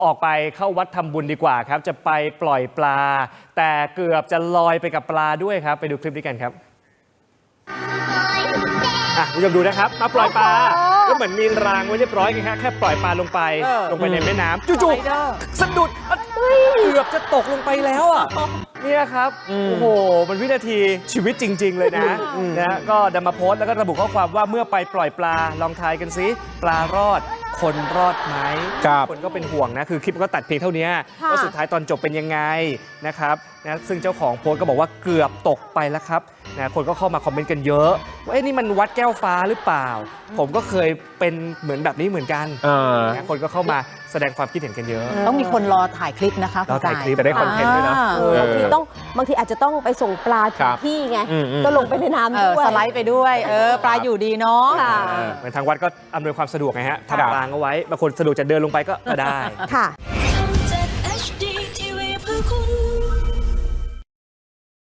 ออกไปเข้าวัดทำบุญดีกว่าครับจะไปปล่อยปลาแต่เกือบจะลอยไปกับปลาด้วยครับไปดูคลิปนี้กันครับคุณผู้ชมดูนะครับมาปล่อยปลาก็เหมือนมีรางไว้เรียบร้อยกันแค่ปล่อยปลาลงไปในแม่น้ำจู่ๆสะดุดเกือบจะตกลงไปแล้วอ่ะเนี่ยครับโอ้โหมันวินาทีชีวิตจริงๆเลยนะก็นำมาโพสต์แล้วก็ระบุข้อความว่าเมื่อไปปล่อยปลาลองทายกันซิปลารอดคนรอดไหมคนก็เป็นห่วงนะคือคลิปก็ตัดเพียงเท่านี้ว่าสุดท้ายตอนจบเป็นยังไงนะครับนะซึ่งเจ้าของโพสต์ก็บอกว่าเกือบตกไปแล้วครับนะคนก็เข้ามาคอมเมนต์กันเยอะว่านี่มันวัดแก้วฟ้าหรือเปล่าผมก็เคยเป็นเหมือนแบบนี้เหมือนกันนะคนก็เข้ามาแสดงความคิดเห็นกันเยอะต้องมีคนรอถ่ายคลิปนะคะรอถ่ายคลิปจะได้คอนเทนต์ด้วยนะบางทีอาจจะต้องไปส่งปลาถึงที่ไงก็ลงไปในน้ำด้วยสไลด์ไปด้วยปลาอยู่ดีเนาะเหมือนทางวัดก็อำนวยความสะดวกไงฮะทำรางเอาไว้บางคนสะดวกจะเดินลงไปก็ได้ค่ะ